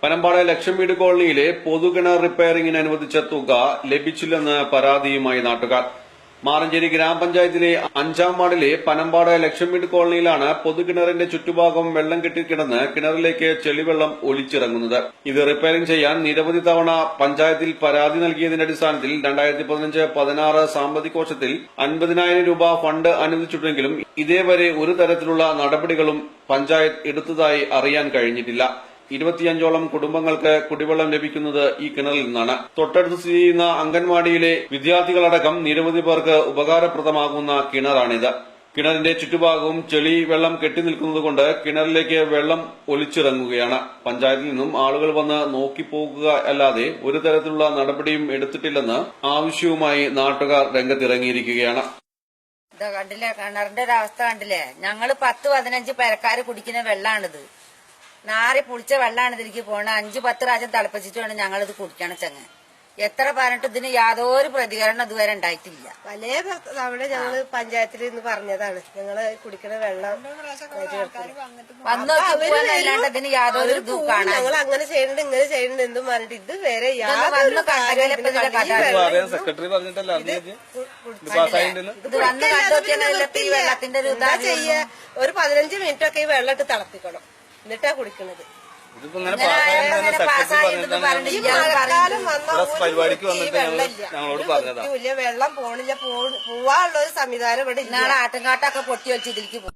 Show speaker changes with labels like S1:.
S1: പനമ്പാട് ലക്ഷം വീട് കോളനിയിലെ പൊതുകിണർ റിപ്പയറിംഗിന് അനുവദിച്ച തുക ലഭിച്ചില്ലെന്ന് പരാതിയുമായി നാട്ടുകാർ. മാറഞ്ചേരി ഗ്രാമപഞ്ചായത്തിലെ 5-ാം വാർഡിലെ പനമ്പാട് ലക്ഷം വീട് കോളനിയിലാണ് പൊതുകിണറിന്റെ ചുറ്റുഭാഗം വെള്ളം കെട്ടിക്കിടന്ന് കിണറിലേക്ക് ചെളിവെള്ളം ഒലിച്ചിറങ്ങുന്നത്. ഇത് റിപ്പയറിംഗ് ചെയ്യാൻ നിരവധി തവണ പഞ്ചായത്തിൽ പരാതി നൽകിയതിന്റെ അടിസ്ഥാനത്തിൽ 2015-16 സാമ്പത്തിക വർഷത്തിൽ 50,000 രൂപ ഫണ്ട് അനുവദിച്ചിട്ടുണ്ടെങ്കിലും ഇതേവരെ ഒരു തരത്തിലുള്ള നടപടികളും പഞ്ചായത്ത് എടുത്തതായി അറിയാൻ കഴിഞ്ഞിട്ടില്ല. 25ഓളം കുടുംബങ്ങൾക്ക് കുടിവെള്ളം ലഭിക്കുന്നത് ഈ കിണറിൽ നിന്നാണ്. തൊട്ടടുത്ത് സ്ഥിതി ചെയ്യുന്ന അംഗൻവാടിയിലെ വിദ്യാർത്ഥികളടക്കം നിരവധി പേർക്ക് ഉപകാരപ്രദമാകുന്ന കിണറാണിത്. കിണറിന്റെ ചുറ്റുഭാഗവും ചെളി വെള്ളം കെട്ടിനിൽക്കുന്നതുകൊണ്ട് കിണറിലേക്ക് വെള്ളം ഒലിച്ചിറങ്ങുകയാണ്. പഞ്ചായത്തിൽ നിന്നും ആളുകൾ വന്ന് നോക്കിപ്പോകുക അല്ലാതെ ഒരു തരത്തിലുള്ള നടപടിയും എടുത്തിട്ടില്ലെന്ന് ആവശ്യവുമായി നാട്ടുകാർ രംഗത്തിറങ്ങിയിരിക്കുകയാണ്.
S2: കണ്ടില്ലേ, കിണറിന്റെ ഒരു അവസ്ഥ കണ്ടില്ലേ? ഞങ്ങള് 10-15 പേരക്കാര് കുടിക്കുന്ന വെള്ളാണിത്. നാറി പുളിച്ച വെള്ളമാണ് ഇതിലേക്ക് പോണത്. 5-10 പ്രാവശ്യം തിളപ്പിച്ചിട്ട് വേണം ഞങ്ങളിത് കുടിക്കണം. ചങ്ങ എത്ര പറഞ്ഞിട്ട് ഇതിന് യാതൊരു പ്രതികരണം ഇതുവരെ ഉണ്ടായിട്ടില്ല.
S3: പല തവണ ഞങ്ങള് പഞ്ചായത്തിൽ നിന്ന് പറഞ്ഞതാണ് ഞങ്ങള് കുടിക്കണ വെള്ളം
S2: വന്നു നോക്കിപ്പോന്നല്ലാണ്ട് ഇതിന് യാതൊരു ഇതും കാണാൻ.
S3: ഞങ്ങൾ അങ്ങനെ ചെയ്യണ്ട് ഇങ്ങനെ ചെയ്യണ്ട് എന്തും പറഞ്ഞിട്ട് ഇത് വരെ
S2: ഇത് വന്ന് കണ്ടുനോക്കിയാൽ ഈ വെള്ളത്തിന്റെ ഒരു ഇതാ
S3: ചെയ്യാ. ഒരു 15 മിനിറ്റ് ഒക്കെ ഈ വെള്ളം ഇട്ട് തിളപ്പിക്കണം, എന്നിട്ടാ കുടിക്കണത്. വെള്ളം പോണില്ല, പോവാനുള്ള ഒരു സംവിധാനം ഇവിടെ.
S2: നാളെ ആട്ടുംകാട്ടൊക്കെ പൊട്ടി വെച്ച് ഇതിലേക്ക്